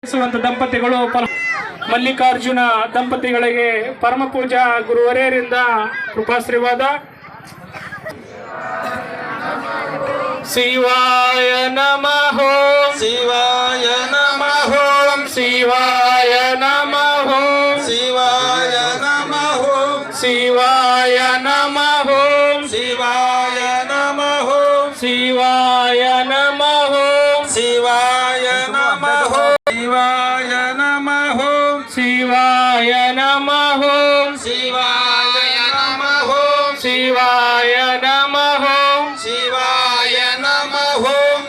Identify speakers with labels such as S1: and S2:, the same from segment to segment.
S1: ದಂಪತಿಗಳು ಮಲ್ಲಿಕಾರ್ಜುನ ದಂಪತಿಗಳಿಗೆ ಪರಮ ಪೂಜಾ ಗುರುವರೇರಿಂದ ಕೃಪಾಶ್ರೀವಾದ. ಶಿವಾಯ ನಮಃ
S2: ಶಿವಾಯ ನಮಃ
S1: ಶಿವಾಯ ನಮಃ
S2: ಶಿವಾಯ ನಮಃ
S1: ಶಿವಾಯ ನಮಃ
S2: ಶಿವಾಯ ನಮಃ
S1: ಶಿವಾಯ ನಮಃ
S2: ಶಿವಾಯ ನಮಃ ಶಿವಾಯ ನಮಃ
S1: ಶಿವಾಯ ನಮಃ
S2: ಶಿವಾಯ ನಮಃ
S1: ಶಿವಾಯ ನಮಃ
S2: ಶಿವಾಯ ನಮಃ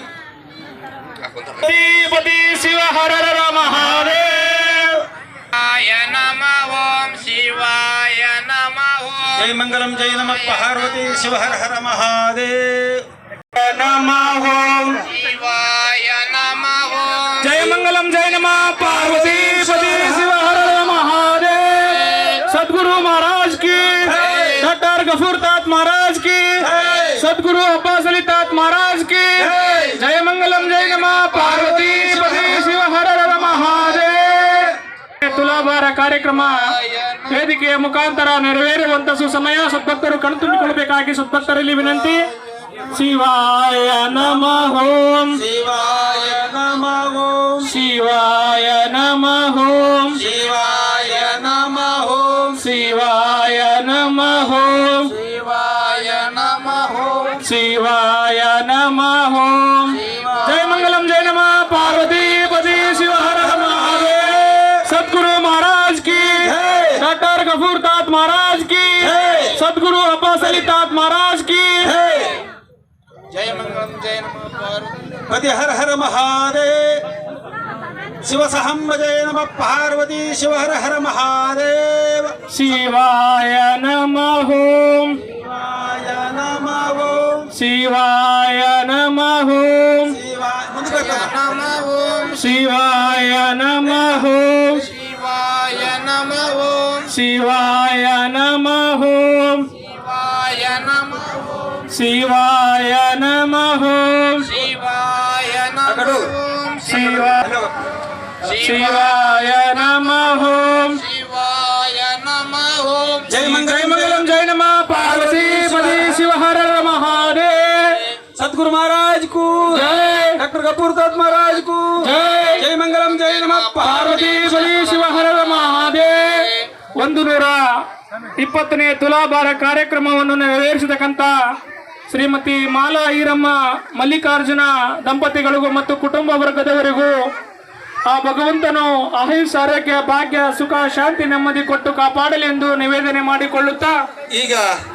S1: ಪತಿ ಶಿವ ಹರ ಹರ ಮಹಾದೇವ್.
S3: ಶಿವಾಯ ನಮಃ ಓಂ ಶಿವಾಯ ನಮಃ
S2: ಜೈ ಮಂಗಲಂ ಜೈ ನಮಃ ಪಾರ್ವತಿ ಶಿವ ಹರ ಹರ ಮಹಾದೇವ್.
S1: ನಮಃ
S3: ಶಿವಾಯ ನಮಃ
S1: ಜಯ ಮಂಗಲಂ ಜಯ ನಮಃ ಪಾರ್ವತಿ ಪತಿ ಶಿವ ಹರ ಹರ ಮಹಾದೇವ್. सदगुरु महाराज की, डॉक्टर गफूर तात महाराज की, सदगुरु अब्बास अली तात महाराज की. जय मंगलम जय नमः पार्वती पति शिव हर हर महादेव. ತುಲಾಭಾರ ಕಾರ್ಯಕ್ರಮ ವೇದಿಕೆಯ ಮುಖಾಂತರ ನೆರವೇರುವಂತ ಸುಸಮಯ ಸದ್ಭಕ್ತರು ಕಣ್ತುಂಬಿಕೊಳ್ಳಬೇಕಾಗಿ ಸದ್ಭಕ್ತರಲ್ಲಿ ವಿನಂತಿ. ಶಿವಾಯ ನಮಃ
S2: ಶಿವಾಯ ನಮಃ
S1: ಶಿವಾಯ ನಮಃ
S2: ಶಿವಾಯ ನಮಃ
S1: ಶಿವಾಯ ನಮಃ
S2: ಶಿವಾಯ ನಮಃ
S1: ಶಿವಾಯ ನಮಃ. ಜಯ ಮಂಗಲಂ ಜಯ ನಮಃ ಪಾರ್ವತಿ ಪತಿ ಶಿವ ಹರ ಹರ ಮಹಾದೇವ್. सदगुरु महाराज की, डॉक्टर गफूर तात महाराज की, सदगुरु अब्बास अली तात महाराज की.
S2: जय मंगलम जय नमः पार्वती हर हर महादेव. शिव सहम्ब जय नमः पार्वती शिव हर हर महादेव.
S1: शिवाय नमः
S2: शिवाय नमः
S1: शिवाय नमः शिवाय नमः
S3: ಶಿವಾಯ ನಮಃ
S1: शिवाय नमः
S3: ಶಿವಾಯ ನಮಃ
S1: शिवाय नमः
S3: ಶಿವಾಯ ನಮಃ
S1: शिवाय नमः.
S3: ಶಿವಾಯ ನಮಃ
S1: जय मंगलम जय नमः पार्वती पति शिव हर हर महादेव.
S2: सतगुरु महाराज को
S1: जय.
S2: डॉक्टर गफूर तात महाराज को
S1: जय.
S2: जय मंगलम जय नमः
S1: ಪಾರ್ವತಿ ಬಲಿ ಶಿವ ಹರ ಹರ ಮಹಾದೇವ್. 120ನೇ ತುಲಾಭಾರ ಕಾರ್ಯಕ್ರಮವನ್ನು ನೆರವೇರಿಸತಕ್ಕಂತ ಶ್ರೀಮತಿ ಮಾಲಾ ಈರಮ್ಮ ಮಲ್ಲಿಕಾರ್ಜುನ ದಂಪತಿಗಳಿಗೂ ಮತ್ತು ಕುಟುಂಬ ವರ್ಗದವರಿಗೂ ಆ ಭಗವಂತನು ಆಯುಷ್ ಆರೋಗ್ಯ ಭಾಗ್ಯ ಸುಖ ಶಾಂತಿ ನೆಮ್ಮದಿ ಕೊಟ್ಟು ಕಾಪಾಡಲಿ ಎಂದು ನಿವೇದನೆ ಮಾಡಿಕೊಳ್ಳುತ್ತಾ
S2: ಈಗ